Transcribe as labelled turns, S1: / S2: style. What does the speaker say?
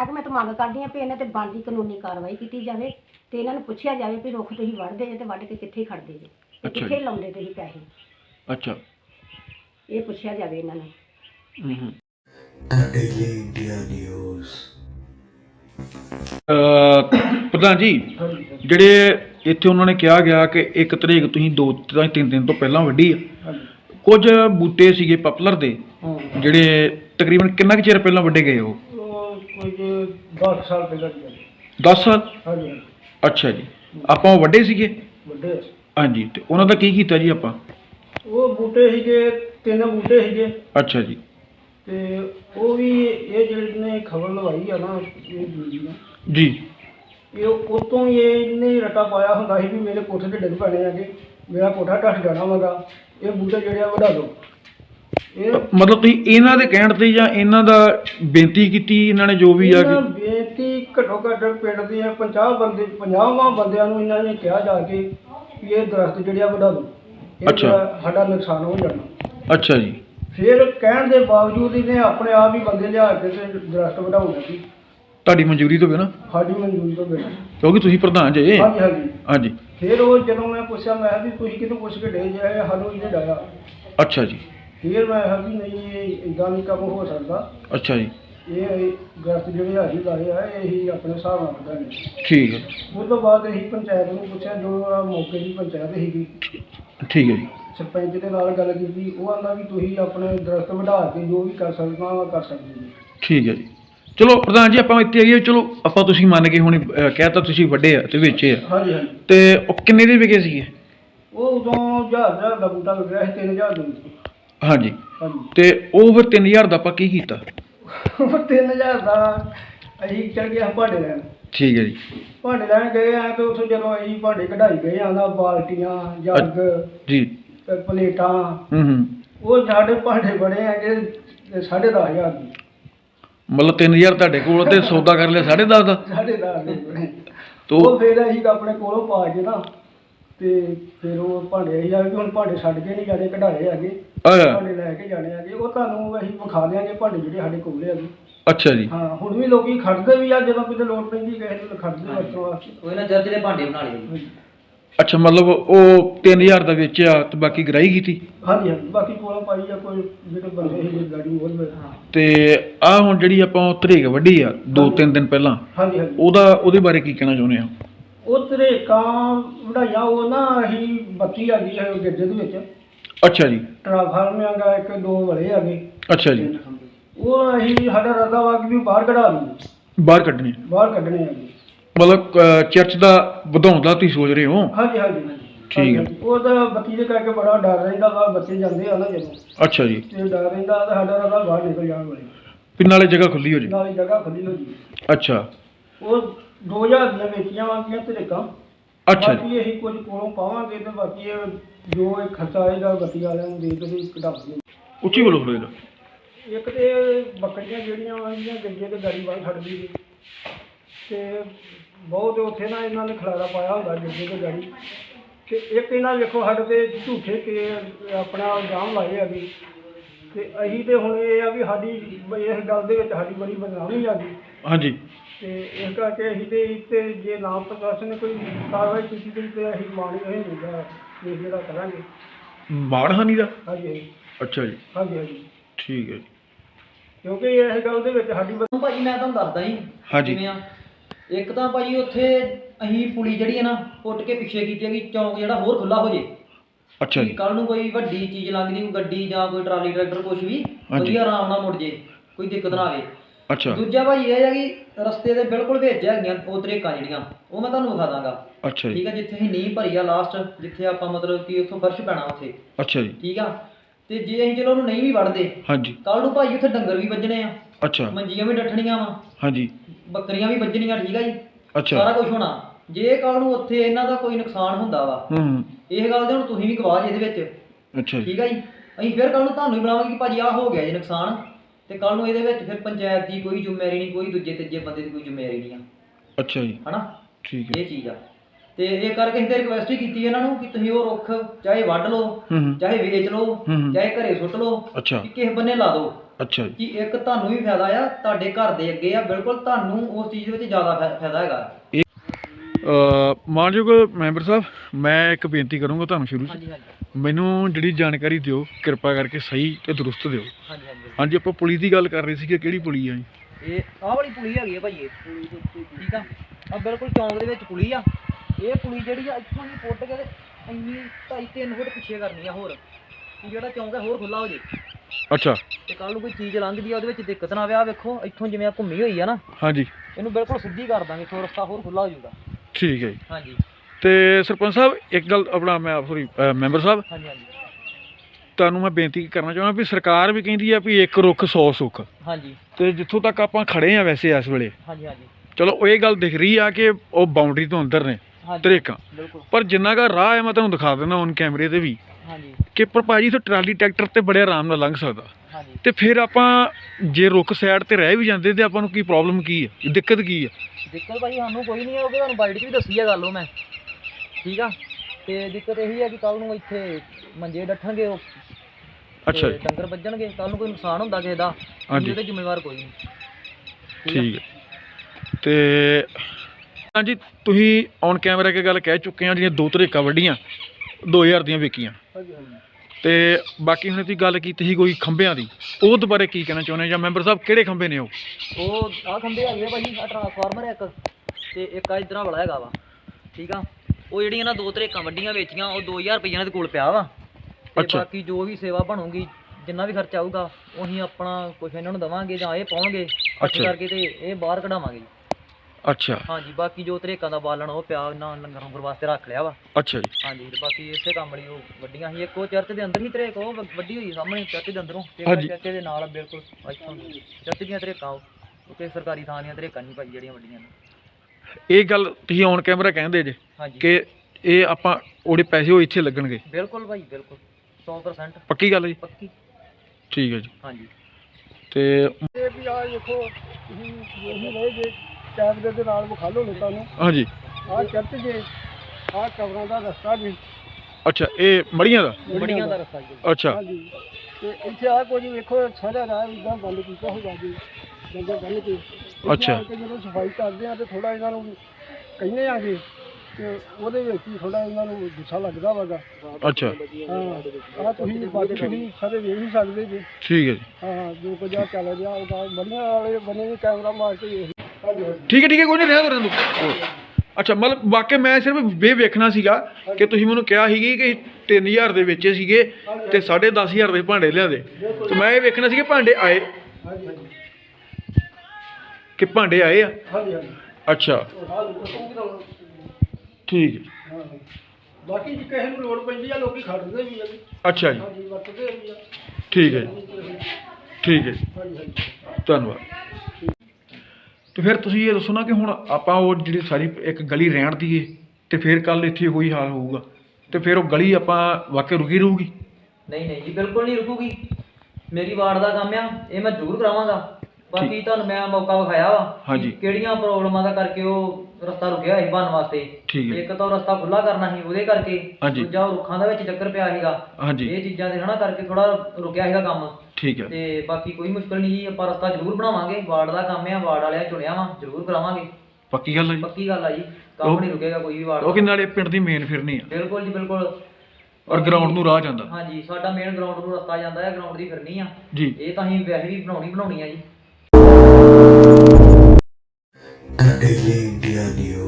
S1: ਮਹਿਕਮੇ ਤੋਂ ਮੰਗ ਕਰਦੀ ਹਾਂ ਵੀ ਇਹਨਾਂ ਤੇ ਬਣਦੀ ਕਾਨੂੰਨੀ ਕਾਰਵਾਈ ਕੀਤੀ ਜਾਵੇ ਤੇ ਇਹਨਾਂ ਨੂੰ ਪੁੱਛਿਆ ਜਾਵੇ ਵੀ ਰੁੱਖ ਤੁਸੀਂ ਵੱਢਦੇ ਜੇ ਤੇ ਵੱਢ ਕੇ ਕਿੱਥੇ ਖੜਦੇ ਜੇ ਤੇ ਕਿੱਥੇ ਲਾਉਂਦੇ ਤੁਸੀਂ ਪੈਸੇ। ਅੱਛਾ, ਇਹ ਪੁੱਛਿਆ ਜਾਵੇ ਇਹਨਾਂ ਨੂੰ।
S2: Daily India news.
S3: ਪ੍ਰਧਾਨ ਜੀ, ਜਿਹੜੇ ਇੱਥੇ ਉਹਨਾਂ ਨੇ ਕਿਹਾ ਗਿਆ ਕਿ 1 ਤਰੀਕ ਤੁਸੀਂ 2-3 ਦਿਨ ਤੋਂ ਪਹਿਲਾਂ ਵੱਢੀ ਆ, ਕੁਝ ਬੂਟੇ ਸੀਗੇ ਪਪਲਰ ਦੇ ਜਿਹੜੇ ਤਕਰੀਬਨ ਕਿੰਨਾ ਕੁ ਚਿਰ ਪਹਿਲਾਂ ਵੱਢੇ ਗਏ? ਉਹ
S4: ਕੁਝ 10 ਸਾਲ ਪਹਿਲਾਂ
S3: 10 ਸਾਲ?
S4: ਹਾਂਜੀ।
S3: ਅੱਛਾ ਜੀ, ਆਪਾਂ ਉਹ ਵੱਢੇ ਸੀਗੇ?
S4: ਵੱਡੇ।
S3: ਹਾਂਜੀ, ਤੇ ਉਹਨਾਂ ਦਾ ਕੀ ਕੀਤਾ ਜੀ ਆਪਾਂ?
S4: ਉਹ ਬੂਟੇ ਸੀਗੇ 3 ਬੂਟੇ ਸੀਗੇ।
S3: ਅੱਛਾ ਜੀ।
S4: ਤੇ ਉਹ ਵੀ ਇਹ ਜਿਹੜੇ ਨੇ ਖਬਰ ਲਵਾਈ ਆ ਨਾ ਇਹ ਬੀਜੀ ਨੇ
S3: ਜੀ,
S4: ਇਹ ਉਤੋਂ ਹੀ ਇਹਨੇ ਰਟਾ ਪਾਇਆ ਹੁੰਦਾ ਸੀ ਵੀ ਮੇਰੇ ਕੋਠੇ ਤੇ ਡਿੱਗ ਪੈਣੇ ਆਗੇ, ਮੇਰਾ ਕੋਠਾ ਢੱਠ ਜਾਣਾ ਵਾਗਾ, ਇਹ ਬੂਟੇ ਜਿਹੜੇ ਆ ਵਧਾ ਦਿਓ। ਇਹ
S3: ਮਤਲਬ ਤੁਸੀਂ ਇਹਨਾਂ ਦੇ ਕਹਿਣ ਤੇ ਜਾਂ ਇਹਨਾਂ ਦਾ ਬੇਨਤੀ ਕੀਤੀ ਇਹਨਾਂ ਨੇ ਜੋ ਵੀ ਆ ਕਿ
S4: ਬੇਨਤੀ ਘੱਟੋ ਘੱਟ ਪਿੰਡ ਦੇ 50 ਬੰਦਿਆਂ ਨੂੰ ਇਹਨਾਂ ਨੇ ਕਿਹਾ ਜਾ ਕੇ ਵੀ ਇਹ ਦਰਖਤ ਜਿਹੜੇ ਆ ਵਧਾ ਦਿਓ, ਸਾਡਾ ਨੁਕਸਾਨ ਹੋ ਜਾਣਾ।
S3: ਅੱਛਾ ਜੀ।
S4: ਫਿਰ ਕਹਿਣ ਦੇ ਬਾਵਜੂਦ ਇਹਨੇ ਆਪਣੇ ਆਪ ਹੀ ਬੰਦੇ ਲਿਆ ਕੇ ਤੇ ਦਰਖਤ ਵਧਾਉਣਾ ਸੀ।
S3: ਤੁਹਾਡੀ ਮਨਜ਼ੂਰੀ ਤੋਂ ਬਿਨਾਂ?
S4: ਸਾਡੀ ਮਨਜ਼ੂਰੀ ਤੋਂ ਬਿਨਾਂ,
S3: ਕਿਉਂਕਿ ਤੁਸੀਂ ਪ੍ਰਧਾਨ ਜੇ।
S4: ਹਾਂਜੀ ਹਾਂਜੀ
S3: ਹਾਂਜੀ।
S4: ਫਿਰ ਉਹ ਜਦੋਂ ਮੈਂ ਪੁੱਛਿਆ, ਮੈਂ ਕਿਹਾ ਵੀ ਤੁਸੀਂ ਕਿਹਨੂੰ ਪੁੱਛ ਕੇ ਡੇ ਜਾਏ, ਸਾਨੂੰ ਇਹਨੇ ਡਾਇਆ।
S3: ਅੱਛਾ ਜੀ।
S4: ਫਿਰ ਮੈਂ ਕਿਹਾ ਵੀ ਨਹੀਂ, ਇਹ ਇੱਦਾਂ ਨਹੀਂ ਕੰਮ ਹੋ ਸਕਦਾ।
S3: ਅੱਛਾ ਜੀ।
S4: ਇਹ ਦਰਖਤ ਜਿਹੜੇ ਹਾਜੀ ਲਾਏ ਆ ਇਹੀ ਆਪਣੇ ਹਿਸਾਬ ਨਾਲ ਵਧਾਣੇ।
S3: ਠੀਕ ਹੈ।
S4: ਉਸ ਤੋਂ ਬਾਅਦ ਅਸੀਂ ਪੰਚਾਇਤ ਨੂੰ ਪੁੱਛਿਆ, ਜੋ ਮੌਕੇ ਦੀ ਪੰਚਾਇਤ ਸੀਗੀ,
S3: ਠੀਕ ਹੈ ਜੀ।
S4: ਸਰਪੰਚ ਦੇ ਨਾਲ ਗੱਲ ਕੀਤੀ, ਉਹ ਆਂਦਾ ਵੀ ਤੁਸੀਂ ਆਪਣੇ ਦਰਖਤ ਵਧਾ ਕੇ ਜੋ ਵੀ ਕਰ ਸਕਦਾ ਕਰ ਸਕਦੇ ਜੀ।
S3: ਠੀਕ ਹੈ ਜੀ। ਚਲੋ ਪ੍ਰਧਾਨ ਜੀ, ਆਪਾਂ ਇੱਥੇ ਆਈਏ। ਚਲੋ ਆਪਾਂ ਤੁਸੀਂ ਮੰਨ ਕੇ ਹੁਣ ਕਹਿਤਾ ਤੁਸੀਂ ਵੱਡੇ ਆ ਤੇ ਵੇਚੇ ਆ।
S4: ਹਾਂਜੀ ਹਾਂਜੀ।
S3: ਤੇ ਉਹ ਕਿੰਨੇ ਦੇ ਵਿਕੇ ਸੀਗੇ?
S4: ਉਹ ਉਦੋਂ 1000 ਦਾ ਬੂਟਾ ਵਿਕਿਆ ਸੀ 3000 ਦੇ ਵਿੱਚ।
S3: ਹਾਂਜੀ
S4: ਹਾਂਜੀ।
S3: ਤੇ ਉਹ ਫਿਰ 3000 ਦਾ ਆਪਾਂ ਕੀ ਕੀਤਾ?
S4: ਉਹ 3000 ਦਾ ਅਸੀਂ ਚਲ ਗਏ ਭਾਂਡੇ ਲੈਣ।
S3: ਠੀਕ ਹੈ ਜੀ।
S4: ਭਾਂਡੇ ਲੈਣ ਗਏ ਆ ਤੇ ਉੱਥੋਂ ਜਦੋਂ ਅਸੀਂ ਭਾਂਡੇ ਕਢਾਈ ਗਏ ਆ ਨਾ, ਬਾਲਟੀਆਂ, ਜੱਗ
S3: ਜੀ,
S4: ਤੇ ਪਲੇਟਾਂ,
S3: ਹੂੰ। ਉਹ
S4: ਸਾਡੇ ਭਾਂਡੇ ਬਣੇ ਹੈਗੇ 10,500 ਦੀ।
S3: ਮਤਲਬ 3000 ਤੁਹਾਡੇ ਕੋਲ ਤੇ ਸੌਦਾ ਕਰ ਲਿਆ 10.5 ਦਾ?
S4: 10,500 ਦੇ ਬਣੇ।
S3: ਤੋ
S4: ਉਹ ਫਿਰ ਅਸੀਂ ਆਪਣੇ ਕੋਲੋਂ ਪਾ ਕੇ ਨਾ ਤੇ ਫਿਰ ਉਹ ਭਾਂਡੇ ਅਸੀਂ ਆ ਕਿ ਹੁਣ ਭਾਂਡੇ ਛੱਡ ਕੇ ਨਹੀਂ ਜਾਣੇ, ਕਢਾਏ ਹੈਗੇ ਭਾਂਡੇ ਲੈ ਕੇ ਜਾਣੇ ਹੈਗੇ। ਉਹ ਤੁਹਾਨੂੰ ਅਸੀਂ ਵਿਖਾ ਦਿਆਂਗੇ ਭਾਂਡੇ ਜਿਹੜੇ ਸਾਡੇ ਕੋਲ ਹੈਗੇ।
S3: ਅੱਛਾ ਜੀ।
S4: ਹਾਂ, ਹੁਣ ਵੀ ਲੋਕੀ ਖੜਦੇ ਵੀ ਆ, ਜਦੋਂ ਕਿਤੇ ਲੋੜ ਪੈਂਦੀ ਕਿਸੇ ਨੂੰ ਖੜਦੇ ਵਰਤੋਂ ਵਾਸਤੇ।
S5: ਉਹ ਇਹਨਾਂ ਚਰਚ ਦੇ ਭਾਂਡੇ ਬਣਾ ਲਏ ਜੀ।
S3: ਅੱਛਾ, ਮਤਲਬ ਉਹ 3000 ਦਾ ਵੇਚਿਆ ਤੇ ਬਾਕੀ ਗਰਾਈ ਕੀਤੀ?
S4: ਹਾਂਜੀ ਹਾਂਜੀ, ਬਾਕੀ ਕੋਲੋਂ ਪਾਈ ਆ ਕੋਈ ਜਿਹੜੇ ਬੰਦੇ ਸੀ ਗਾੜੀ ਹੋਰ।
S3: ਤੇ ਆਹ ਹੁਣ ਜਿਹੜੀ ਆਪਾਂ ਉਹ ਧਰੇਕ ਵੱਢੀ ਆ 2-3 ਦਿਨ ਪਹਿਲਾਂ,
S4: ਹਾਂਜੀ ਹਾਂਜੀ,
S3: ਉਹਦੇ ਬਾਰੇ ਕੀ ਕਹਿਣਾ ਚਾਹੁੰਦੇ ਆ?
S4: ਉਹ ਧਰੇਕਾਂ ਵਢਾਈਆਂ, ਉਹ ਨਾ ਅਸੀਂ ਬੱਤੀ ਆ ਗਈ ਹੈ ਗੱਜੇ ਦੇ ਵਿੱਚ।
S3: ਅੱਛਾ ਜੀ।
S4: ਟਰਾਂਸਫਾਰਮਰ ਆਗਾ, 1-2 ਵਲੇ ਆ ਗਏ।
S3: ਅੱਛਾ ਜੀ।
S4: ਉਹ ਅਸੀਂ ਸਾਡਾ ਰਦਾ ਵਾ ਕਿ ਵੀ ਬਾਹਰ ਕਢਾ ਲਈਏ,
S3: ਬਾਹਰ ਕੱਢਣੇ?
S4: ਬਾਹਰ ਕੱਢਣੇ ਆ ਜੀ।
S3: ਮਤਲਬ ਚਰਚ ਦਾ ਵਧਾਉਣ ਦਾ ਤੁਸੀਂ ਸੋਚ ਰਹੇ ਹੋ?
S4: ਹਾਂਜੀ ਹਾਂਜੀ।
S3: ਠੀਕ ਹੈ।
S4: ਉਹ ਤਾਂ ਬੱਤੀ ਦੇ ਕਰਕੇ ਬੜਾ ਡਰ ਰਹਿੰਦਾ ਵਾ, ਬੱਚੇ ਜਾਂਦੇ ਆ ਨਾ ਜਦੋਂ।
S3: ਅੱਛਾ ਜੀ।
S4: ਤੇ ਡਰ ਰਹਿੰਦਾ ਤਾਂ ਸਾਡਾ ਰਦਾ ਬਾਹਰ ਨਿਕਲ ਜਾਣ ਵਾਲੀ,
S3: ਵੀ ਨਾਲੇ ਜਗ੍ਹਾ ਖੁੱਲੀ ਹੋ ਜੇ।
S4: ਨਾਲੇ ਜਗ੍ਹਾ ਖੁੱਲੀ ਹੋ ਜੀ।
S3: ਅੱਛਾ।
S4: ਉਹ 2000 ਦੀਆਂ ਵੇਚੀਆਂ ਵਾਂਗੀਆਂ ਧਰੇਕਾਂ।
S3: ਅੱਛਾ ਜੀ।
S4: ਬਾਕੀ ਅਸੀਂ ਕੁਝ ਕੋਲੋਂ ਪਾਵਾਂਗੇ ਤੇ ਬਾਕੀ ਇਹ ਜੋ ਇਹ ਖਰਚਾ ਆਏਗਾ ਬੱਤੀ ਵਾਲਿਆਂ ਨੂੰ ਦੇ ਕੇ ਕਢਾਵਾਂਗੇ।
S3: ਉੱਚੀ ਬੋਲੋ ਥੋੜ੍ਹਾ ਜਿਹਾ।
S4: ਇੱਕ ਤੇ ਬੱਕਰੀਆਂ ਜਿਹੜੀਆਂ ਆਉਂਦੀਆਂ ਗੱਜੇ ਤੇ ਗਾੜੀ ਵਾਂਗ ਛੱਡਦੀ ਸੀ ਤੇ ਬਹੁਤ ਉੱਥੇ ਨਾ ਇਹਨਾਂ ਨੇ ਖਲਾਰਾ ਪਾਇਆ ਹੁੰਦਾ ਗੱਜੇ ਤੇ ਗਾੜੀ। ਤੇ ਇੱਕ ਇਹਨਾਂ ਵੇਖੋ ਸਾਡੇ ਤੇ ਝੂਠੇ ਕੇ ਆਪਣਾ ਇਲਜ਼ਾਮ ਲਾਏ ਆ ਵੀ, ਤੇ ਅਸੀਂ ਤੇ ਹੁਣ ਇਹ ਆ ਵੀ ਸਾਡੀ ਇਸ ਗੱਲ ਦੇ ਵਿੱਚ ਸਾਡੀ ਬੜੀ ਬਦਨਾਮੀ ਆ ਗਈ।
S3: ਹਾਂਜੀ।
S4: ਤੇ ਇਸ ਕਰਕੇ ਅਸੀਂ ਤੇ ਜੇ ਨਾ ਪ੍ਰਸ਼ਾਸਨ ਨੇ ਕੋਈ ਕਾਰਵਾਈ ਕੀਤੀ ਤੇ ਅਸੀਂ ਮਾਣੀ ਇਹ ਹੁੰਦਾ ਇਹ ਜਿਹੜਾ ਕਰਾਂਗੇ।
S3: ਮਾਣਹਾਨੀ ਦਾ?
S4: ਹਾਂਜੀ
S3: ਅੱਛਾ ਜੀ।
S4: ਹਾਂਜੀ ਹਾਂਜੀ,
S3: ਠੀਕ ਹੈ ਜੀ।
S4: ਕਿਉਂਕਿ ਇਸ ਗੱਲ ਦੇ ਵਿੱਚ ਸਾਡੀ
S5: ਭਾਜੀ ਮੈਂ ਤੁਹਾਨੂੰ ਦੱਸਦਾ ਜੀ
S3: ਹਾਂਜੀ।
S5: ਕਿਵੇਂ ਆ। ਇੱਕ ਤਾਂ ਭਾਜੀ ਉੱਥੇ ਅਸੀਂ ਪੁਲੀ ਜਿਹੜੀ ਹੈ ਨਾ ਪੁੱਟ ਕੇ ਪਿੱਛੇ ਕੀਤੀ ਹੈਗੀ, ਚੌਂਕ ਜਿਹੜਾ ਹੋਰ ਖੁੱਲਾ ਹੋ ਜੇ।
S3: ਅੱਛਾ ਜੀ।
S5: ਕੱਲ ਨੂੰ ਕੋਈ ਵੱਡੀ ਚੀਜ਼ ਲੰਘਦੀ, ਕੋਈ ਗੱਡੀ ਜਾਂ ਕੋਈ ਟਰਾਲੀ ਟਰੈਕਟਰ ਕੁਝ ਵੀ ਵਧੀਆ ਆਰਾਮ ਨਾਲ ਮੁੜ ਜੇ, ਕੋਈ ਦਿੱਕਤ ਨਾ ਆਵੇ।
S3: ਅੱਛਾ।
S5: ਦੂਜਾ ਭਾਜੀ ਇਹ ਹੈ ਕਿ ਰਸਤੇ ਦੇ ਬਿਲਕੁਲ ਵਿੱਚ ਹੈਗੀਆਂ ਉਹ ਧਰੇਕਾਂ ਜਿਹੜੀਆਂ, ਉਹ ਮੈਂ ਤੁਹਾਨੂੰ ਵਿਖਾ ਦਾਂਗਾ।
S3: ਅੱਛਾ ਜੀ।
S5: ਠੀਕ ਆ, ਜਿੱਥੇ ਅਸੀਂ ਨੀਂਹ ਭਰੀ ਆ ਲਾਸਟ, ਜਿੱਥੇ ਆਪਾਂ ਮਤਲਬ ਕਿ ਉੱਥੋਂ ਫਰਸ਼ ਪੈਣਾ ਉੱਥੇ।
S3: ਅੱਛਾ ਜੀ।
S5: ਠੀਕ ਆ। ਤੇ ਜੇ ਅਸੀਂ ਚਲੋ ਉਹਨੂੰ ਨਹੀਂ ਵੀ ਵੜਦੇ,
S3: ਹਾਂਜੀ।
S5: ਕੱਲ ਨੂੰ ਭਾਜੀ ਉੱਥੇ ਡੰਗਰ ਵੀ ਵੱਜਣੇ ਆ।
S3: ਅੱਛਾ।
S5: ਮੰਜੀਆਂ ਵੀ ਡੱਠਣੀਆਂ ਵਾ।
S3: ਹਾਂਜੀ।
S5: ਬੱਕਰੀਆਂ ਵੀ ਵੱਜਣੀਆਂ। ਠੀਕ ਆ ਜੀ।
S3: ਅੱਛਾ।
S5: ਸਾਰਾ ਕੁਝ ਹੋਣਾ। ਜੇ ਕੱਲ ਨੂੰ ਉੱਥੇ ਇਹਨਾਂ ਦਾ ਕੋਈ ਨੁਕਸਾਨ ਹੁੰਦਾ ਵਾ, ਇਹ ਗੱਲ ਦੇ ਹੁਣ ਤੁਸੀਂ ਵੀ ਗਵਾਹ ਜੇ ਇਹਦੇ ਵਿੱਚ।
S3: ਅੱਛਾ ਜੀ।
S5: ਠੀਕ ਆ ਜੀ। ਅਸੀਂ ਫਿਰ ਕੱਲ ਨੂੰ ਤੁਹਾਨੂੰ ਹੀ ਬੁਲਾਵਾਂਗੇ ਕਿ ਭਾਜੀ ਆਹ ਹੋ ਗਿਆ ਜੀ ਨੁਕਸਾਨ, ਤੇ ਕੱਲ ਨੂੰ ਇਹਦੇ ਵਿੱਚ ਫਿਰ ਪੰਚਾਇਤ ਦੀ ਕੋਈ ਜ਼ਿੰਮੇਵਾਰੀ ਨਹੀਂ, ਕੋਈ ਦੂਜੇ ਤੀਜੇ ਬੰਦੇ ਦੀ ਕੋਈ ਜ਼ਿੰਮੇਵਾਰੀ ਨਹੀਂ ਆ।
S3: ਅੱਛਾ ਜੀ।
S5: ਹਨਾ।
S3: ਠੀਕ ਹੈ।
S5: ਇਹ ਚੀਜ਼ ਆ। ਤੇ ਇਹ ਕਰਕੇ ਅਸੀਂ ਤਾਂ ਰਿਕਵੈਸਟ ਹੀ ਕੀਤੀ ਇਹਨਾਂ ਨੂੰ ਕਿ ਤੁਸੀਂ ਉਹ ਰੁੱਖ ਚਾਹੇ ਵੱਢ ਲਓ,
S3: ਹੂੰ
S5: ਚਾਹੇ ਵੇਚ ਲਓ,
S3: ਹੂੰ।
S5: ਚਾਹੇ ਘਰੇ ਸੁੱਟ ਲਓ,
S3: ਅੱਛਾ
S5: ਕਿ ਕਿਸੇ ਬੰਨੇ ਲਾ ਦਿਓ
S3: ਅੱਛਾ ਜੀ।
S5: ਕਿ ਇੱਕ ਤੁਹਾਨੂੰ ਵੀ ਫਾਇਦਾ ਆ, ਤੁਹਾਡੇ ਘਰ ਦੇ ਅੱਗੇ ਆ, ਬਿਲਕੁਲ ਤੁਹਾਨੂੰ ਉਸ ਚੀਜ਼ ਵਿੱਚ ਜ਼ਿਆਦਾ ਫਾਇਦਾ ਹੈਗਾ।
S3: ਮਾਨਯੋਗ ਮੈਂਬਰ ਸਾਹਿਬ, ਮੈਂ ਇੱਕ ਬੇਨਤੀ ਕਰੂੰਗਾ ਤੁਹਾਨੂੰ ਸ਼ੁਰੂ 'ਚ,
S5: ਹਾਂਜੀ ਹਾਂਜੀ
S3: ਮੈਨੂੰ ਜਿਹੜੀ ਜਾਣਕਾਰੀ ਦਿਓ ਕਿਰਪਾ ਕਰਕੇ ਸਹੀ ਤੇ ਦਰੁਸਤ ਦਿਓ।
S5: ਹਾਂਜੀ ਹਾਂਜੀ।
S3: ਹਾਂਜੀ, ਆਪਾਂ ਪੁਲੀ ਦੀ ਗੱਲ ਕਰ ਰਹੇ ਸੀਗੇ, ਕਿਹੜੀ ਪੁਲੀ ਆ ਜੀ?
S5: ਇਹ ਆਹ ਵਾਲੀ ਪੁਲੀ ਹੈਗੀ ਆ ਭਾਈ, ਇਹ ਪੁਲੀ ਦੇ ਉੱਤੇ, ਠੀਕ ਆ, ਆ ਬਿਲਕੁਲ ਚੌਂਕ ਦੇ ਵਿੱਚ ਪੁਲੀ ਆ। ਇਹ ਪੁਲੀ ਜਿਹੜੀ ਆ ਇੱਥੋਂ ਦੀ ਪੁੱਟ ਕੇ ਤੇ ਇੰਨੀ 2.5-3 ਫੁੱਟ ਪਿੱਛੇ ਕਰਨੀ ਆ ਹੋਰ, ਕਿ ਜਿਹੜਾ ਚੌਂਕ ਹੈ ਹੋਰ ਖੁੱਲਾ ਹੋ ਜੇ
S3: ਅੱਛਾ
S5: ਤੇ ਕੱਲ ਨੂੰ ਕੋਈ ਚੀਜ਼ ਲੰਘਦੀ ਆ ਉਹਦੇ ਵਿੱਚ ਦਿੱਕਤ ਨਾ ਆਵੇ। ਆਹ ਵੇਖੋ ਇੱਥੋਂ ਜਿਵੇਂ ਆ ਘੁੰਮੀ ਹੋਈ ਆ ਨਾ,
S3: ਹਾਂਜੀ
S5: ਇਹਨੂੰ ਬਿਲਕੁਲ ਸਿੱਧੀ ਕਰ ਦਾਂਗੇ, ਥੋੜਾ ਰਸਤਾ ਹੋਰ ਖੁੱਲਾ ਹੋ ਜਾਊਗਾ।
S3: ਠੀਕ ਹੈ ਜੀ।
S5: ਹਾਂਜੀ
S3: ਤੇ ਸਰਪੰਚ ਸਾਹਿਬ ਇੱਕ ਗੱਲ ਆਪਣਾ ਮੈਂ ਸੋਰੀ ਮੈਂਬਰ ਸਾਹਿਬ,
S5: ਹਾਂਜੀ ਹਾਂਜੀ
S3: ਤੁਹਾਨੂੰ ਮੈਂ ਬੇਨਤੀ ਕਰਨਾ ਚਾਹੁੰਦਾ ਵੀ ਸਰਕਾਰ ਵੀ ਕਹਿੰਦੀ ਆ ਵੀ ਇੱਕ ਰੁੱਖ 100 ਸੁੱਖ,
S5: ਹਾਂਜੀ
S3: ਤੇ ਜਿੱਥੋਂ ਤੱਕ ਆਪਾਂ ਖੜੇ ਆ ਵੈਸੇ ਇਸ ਵੇਲੇ,
S5: ਹਾਂਜੀ ਹਾਂਜੀ
S3: ਚਲੋ ਉਹ ਇਹ ਗੱਲ ਦਿਖ ਰਹੀ ਆ ਕਿ ਉਹ ਬਾਉਂਡਰੀ ਤੋਂ ਅੰਦਰ ਨੇ
S5: ਹਾਂਜੀ
S3: ਤਰੇਕਾਂ,
S5: ਬਿਲਕੁਲ
S3: ਪਰ ਜਿੰਨਾ ਕਾ ਰਾਹ ਹੈ ਮੈਂ ਤੁਹਾਨੂੰ ਦਿਖਾ ਦਿੰਦਾ ਔਨ ਕੈਮਰੇ ਤੇ ਵੀ
S5: ਹਾਂਜੀ
S3: ਕਿ ਪਰ ਭਾਜੀ ਤੋਂ ਟਰਾਲੀ ਟਰੈਕਟਰ ਤੇ ਬੜੇ ਆਰਾਮ ਨਾਲ ਲੰਘ ਸਕਦਾ।
S5: ਹਾਂਜੀ।
S3: ਤੇ ਫਿਰ ਆਪਾਂ ਜੇ ਰੁੱਖ ਸਾਈਡ ਤੇ ਰਹਿ ਵੀ ਜਾਂਦੇ ਤੇ ਆਪਾਂ ਨੂੰ ਕੀ ਪ੍ਰੋਬਲਮ ਕੀ ਹੈ, ਦਿੱਕਤ ਕੀ ਹੈ?
S5: ਦਿੱਕਤ ਭਾਈ ਸਾਨੂੰ ਕੋਈ ਨਹੀਂ ਆਉਗੀ, ਤੁਹਾਨੂੰ ਬਾਈਟ 'ਚ ਵੀ ਦੱਸੀ ਆ ਗੱਲ ਉਹ ਮੈਂ, ਠੀਕ ਆ। ਤੇ ਦਿੱਕਤ ਇਹੀ ਹੈ ਕਿ ਕੱਲ ਨੂੰ ਇੱਥੇ ਮੰਜੇ ਡੱਠਣਗੇ ਉਹ,
S3: ਅੱਛਾ
S5: ਤੇ
S3: ਜੀ,
S5: ਡੰਗਰ ਵੱਜਣਗੇ, ਕੱਲ ਨੂੰ ਕੋਈ ਨੁਕਸਾਨ ਹੁੰਦਾ ਕਿਸੇ ਦਾ,
S3: ਹਾਂਜੀ।
S5: ਉਹਦੇ ਜ਼ਿੰਮੇਵਾਰ ਕੋਈ ਨਹੀਂ।
S3: ਠੀਕ ਹੈ। ਤੇ ਹਾਂਜੀ, ਤੁਸੀਂ ਔਨ ਕੈਮਰਾ ਕੇ ਗੱਲ ਕਹਿ ਚੁੱਕੇ ਆ, ਜਿਹੜੀਆਂ 2 ਤਰੇਕਾਂ ਵੱਡੀਆਂ 2000 ਦੀਆਂ ਵਿਕੀਆਂ,
S4: ਹਾਂਜੀ ਹਾਂਜੀ।
S3: ਤੇ ਬਾਕੀ ਹੁਣ ਤੁਸੀਂ ਗੱਲ ਕੀਤੀ ਸੀ ਕੋਈ ਖੰਭਿਆਂ ਦੀ, ਉਹਦੇ ਬਾਰੇ ਕੀ ਕਹਿਣਾ ਚਾਹੁੰਦੇ ਜਾਂ ਮੈਂਬਰ ਸਾਹਿਬ ਕਿਹੜੇ ਖੰਭੇ ਨੇ ਉਹ?
S5: ਉਹ ਆਹ ਖੰਭੇ ਹੈਗੇ ਆ ਭਾਈ, ਆਹ ਟਰਾਂਸਫਾਰਮਰ ਇੱਕ, ਤੇ ਇੱਕ ਆ ਇਧਰਾਂ ਵਾਲਾ ਹੈਗਾ ਵਾ, ਠੀਕ ਆ। ਉਹ ਜਿਹੜੀਆਂ ਨਾ 2 ਤਰੇਕਾਂ ਵੱਡੀਆਂ ਵੇਚੀਆਂ, ਉਹ 2000 ਰੁਪਈਆ ਇਹਨਾਂ ਦੇ ਕੋਲ ਪਿਆ ਵਾ। ਤੇ
S3: ਅੱਛਾ।
S5: ਬਾਕੀ ਜੋ ਵੀ ਸੇਵਾ ਬਣੂਗੀ, ਜਿੰਨਾ ਵੀ ਖਰਚਾ ਆਊਗਾ, ਉਹ ਅਸੀਂ ਆਪਣਾ ਕੁਛ ਇਹਨਾਂ ਨੂੰ ਦੇਵਾਂਗੇ ਜਾਂ ਇਹ ਪਾਉਣਗੇ,
S3: ਅੱਛਾ।
S5: ਕਰਕੇ ਤੇ ਇਹ ਬਾਹਰ ਕਢਾਵਾਂਗੇ ਜੀ।
S3: ਅੱਛਾ
S5: ਹਾਂਜੀ, ਬਾਕੀ ਜੋ ਤਰੇਕਾਂ ਦਾ ਬਾਲਣ ਉਹ ਪਿਆ ਨਾ ਲੰਗਰ ਲੰਗਰ ਵਾਸਤੇ ਰੱਖ ਲਿਆ ਵਾ।
S3: ਅੱਛਾ ਜੀ।
S5: ਹਾਂਜੀ, ਤੇ ਬਾਕੀ ਇਸੇ ਕੰਮ ਲਈ ਉਹ ਵੱਡੀਆਂ ਸੀ। ਇੱਕ ਉਹ ਚਰਚ ਦੇ ਅੰਦਰ ਹੀ ਤਰੇਕ ਉਹ ਵੱਡੀ ਹੋਈ ਸਾਹਮਣੇ ਚਰਚ ਦੇ ਅੰਦਰੋਂ, ਤੇ
S3: ਹਾਂਜੀ।
S5: ਚਰਚ ਦੇ ਨਾਲ ਬਿਲਕੁਲ ਇੱਥੋਂ ਚਰਚ ਦੀਆਂ ਤਰੇਕਾਂ ਉਹ ਕਿ ਸਰਕਾਰੀ ਥਾਂ ਦੀਆਂ ਤਰੇਕਾਂ ਨਹੀਂ ਭਾਈ ਜਿਹੜੀਆਂ ਵੱਡੀਆਂ ਨੇ।
S3: ਇਹ ਗੱਲ ਤੁਸੀਂ ਔਨ ਕੈਮਰਾ ਕਹਿੰਦੇ ਜੇ
S5: ਹਾਂਜੀ
S3: ਕਿ ਇਹ ਆਪਾਂ ਉਹਦੇ ਪੈਸੇ ਉਹ ਇੱਥੇ ਲੱਗਣਗੇ?
S5: ਬਿਲਕੁਲ ਭਾਈ ਬਿਲਕੁਲ 100%
S3: ਪੱਕੀ ਗੱਲ ਹੈ ਜੀ?
S5: ਪੱਕੀ।
S3: ਠੀਕ ਹੈ ਜੀ।
S5: ਹਾਂਜੀ
S3: ਤੇ
S4: ਇਹ ਵੀ ਆ ਦੇਖੋ, ਤੁਸੀਂ ਇਹੀ ਰਹੇ ਜੇ ਕੈਮਰੇ ਦੇ ਨਾਲ ਵਿਖਾ ਲਓ ਲੋਕਾਂ ਨੂੰ,
S3: ਹਾਂਜੀ,
S4: ਆਹ ਚਰਚ ਜੇ, ਆਹ ਕਬਰਾਂ ਦਾ ਰਸਤਾ ਜੀ,
S3: ਅੱਛਾ ਇਹ ਮੜੀਆਂ ਦਾ?
S5: ਬੜੀਆਂ ਦਾ ਰਸਤਾ ਜੀ।
S3: ਅੱਛਾ
S4: ਹਾਂਜੀ। ਤੇ ਇੱਥੇ ਆ ਕੁਝ ਵੇਖੋ, ਸਾਰਾ ਰਾਹ ਇਦਾਂ ਬੰਦ ਕੀਤਾ ਹੋਇਆ ਜੀ, ਡੰਗਰ ਬੰਨ ਕੇ। ਇੱਥੇ
S3: ਅੱਛਾ।
S4: ਆ ਕੇ ਜਦੋਂ ਸਫਾਈ ਕਰਦੇ ਆ ਤੇ ਥੋੜਾ ਇਹਨਾਂ ਨੂੰ ਕਹਿੰਦੇ ਆ ਜੀ, ਤੇ ਉਹਦੇ ਵਿੱਚ ਹੀ ਥੋੜਾ ਇਹਨਾਂ ਨੂੰ ਗੁੱਸਾ ਲੱਗਦਾ ਵਾਗਾ।
S3: ਅੱਛਾ
S4: ਹਾਂ, ਆ ਤੁਸੀਂ ਬਾਕੀ ਤੁਸੀਂ ਸਾਰੇ ਵੇਖ ਹੀ ਸਕਦੇ ਜੀ।
S3: ਠੀਕ ਹੈ ਜੀ।
S4: ਹਾਂ, ਜੋ ਕੁਝ ਆ ਚੱਲ ਰਿਹਾ ਉਹਦਾ ਮੜੀਆਂ ਵਾਲੇ ਬਣੇ ਵੀ ਕੈਮਰਾ ਮਾਰ ਕੇ ਵੇਖ। ਹਾਂਜੀ ਹਾਂਜੀ।
S3: ਠੀਕ ਹੈ ਕੋਈ ਨਹੀਂ, ਰਹਿ ਦੋ ਅੱਛਾ, ਮਤਲਬ ਵਾਕਿਆ ਮੈਂ ਸਿਰਫ ਇਹ ਵੇਖਣਾ ਸੀਗਾ ਕਿ ਤੁਸੀਂ ਮੈਨੂੰ ਕਿਹਾ ਸੀਗੀ ਕਿ 3000 ਦੇ ਵੇਚੇ ਸੀਗੇ ਤੇ 10,500 ਦੇ ਭਾਂਡੇ ਲਿਆਂਦੇ, ਤੇ ਮੈਂ ਇਹ ਵੇਖਣਾ ਸੀ ਕਿ ਭਾਂਡੇ ਆਏ,
S4: ਹਾਂਜੀ ਹਾਂਜੀ।
S3: ਕਿ ਭਾਂਡੇ ਆਏ ਆ।
S4: ਹਾਂਜੀ ਹਾਂਜੀ।
S3: ਅੱਛਾ ਠੀਕ ਹੈ।
S4: ਹਾਂ, ਬਾਕੀ ਜੇ ਕਿਸੇ ਨੂੰ ਲੋੜ ਪੈਂਦੀ ਆ ਲੋਕੀ ਖੜਦੇ ਵੀ ਆ ਜੀ।
S3: ਅੱਛਾ ਜੀ,
S4: ਹਾਂਜੀ, ਵਰਤਦੇ ਵੀ ਆ।
S3: ਠੀਕ ਹੈ ਜੀ, ਠੀਕ ਹੈ ਜੀ,
S4: ਹਾਂਜੀ ਹਾਂਜੀ।
S3: ਧੰਨਵਾਦ। ਤੇ ਫਿਰ ਤੁਸੀਂ ਇਹ ਦੱਸੋ ਨਾ ਕਿ ਹੁਣ ਆਪਾਂ ਉਹ ਜਿਹੜੀ ਸਾਰੀ ਇੱਕ ਗਲੀ ਰਹਿਣ ਦੀਏ ਤੇ ਫਿਰ ਕੱਲ ਇੱਥੇ ਉਹੀ ਹਾਲ ਹੋਊਗਾ, ਤੇ ਫਿਰ ਉਹ ਗਲੀ ਆਪਾਂ ਵਾਕਿਆ ਰੁਕੀ ਰਹੂਗੀ?
S5: ਨਹੀਂ ਨਹੀਂ ਜੀ, ਬਿਲਕੁਲ ਨਹੀਂ ਰੁਕੂਗੀ। ਮੇਰੀ ਵਾਰਡ ਦਾ ਕੰਮ ਆ, ਇਹ ਮੈਂ ਜ਼ਰੂਰ ਕਰਾਵਾਂਗਾ। ਬਾਕੀ ਤੁਹਾਨੂੰ ਮੈਂ ਮੌਕਾ ਵਿਖਾਇਆ ਵਾ
S3: ਹਾਂਜੀ।
S5: ਕਿ ਕਿਹੜੀਆਂ ਪ੍ਰੋਬਲਮਾਂ ਦਾ ਕਰਕੇ ਉਹ ਰਸਤਾ ਰੁਕਿਆ ਸੀ ਬਣਨ ਵਾਸਤੇ।
S3: ਠੀਕ ਹੈ।
S5: ਇੱਕ ਤਾਂ ਉਹ ਰਸਤਾ ਖੁੱਲਾ ਕਰਨਾ ਸੀ ਉਹਦੇ ਕਰਕੇ,
S3: ਹਾਂਜੀ।
S5: ਦੂਜਾ ਉਹ ਰੁੱਖਾਂ ਦਾ ਵਿੱਚ ਚੱਕਰ ਪਿਆ ਸੀਗਾ।
S3: ਹਾਂਜੀ।
S5: ਇਹ ਚੀਜ਼ਾਂ ਦੇ ਹਨਾ ਕਰਕੇ ਥੋੜਾ ਰੁਕਿਆ ਸੀਗਾ ਕੰਮ।
S3: ਠੀਕ ਹੈ।
S5: ਤੇ ਬਾਕੀ ਕੋਈ ਮੁਸ਼ਕਲ ਨਹੀਂ ਜੀ, ਆਪਾਂ ਰਸਤਾ ਜ਼ਰੂਰ ਬਣਾਵਾਂਗੇ। ਵਾਰਡ ਦਾ ਕੰਮ ਆ, ਵਾਰਡ ਵਾਲਿਆਂ ਚੁਣਿਆ ਵਾ, ਜ਼ਰੂਰ ਕਰਾਵਾਂਗੇ।
S3: ਪੱਕੀ ਗੱਲ ਹੈ ਜੀ?
S5: ਪੱਕੀ ਗੱਲ ਆ ਜੀ, ਕੰਮ ਨਹੀਂ ਰੁਕੇਗਾ ਕੋਈ ਵੀ ਵਾਰਡ
S3: ਉਹ
S5: ਦਾ।
S3: ਕਿ ਨਾਲੇ ਪਿੰਡ ਦੀ ਮੇਨ ਫਿਰਨੀ ਆ
S5: ਬਿਲਕੁਲ ਜੀ ਬਿਲਕੁਲ।
S3: ਔਰ ਗਰਾਊਂਡ ਨੂੰ ਰਾਹ ਜਾਂਦਾ।
S5: ਹਾਂਜੀ, ਸਾਡਾ ਮੇਨ ਗਰਾਊਂਡ ਨੂੰ ਰਸਤਾ ਜਾਂਦਾ ਹੈ, ਗਰਾਊਂਡ ਦੀ ਫਿਰਨੀ ਆ
S3: ਜੀ।
S5: ਇਹ ਤਾਂ ਅਸੀਂ ਵੈਸੇ ਵੀ ਬਣਾਉਣੀ ਆ ਜੀ।
S2: Daily India News.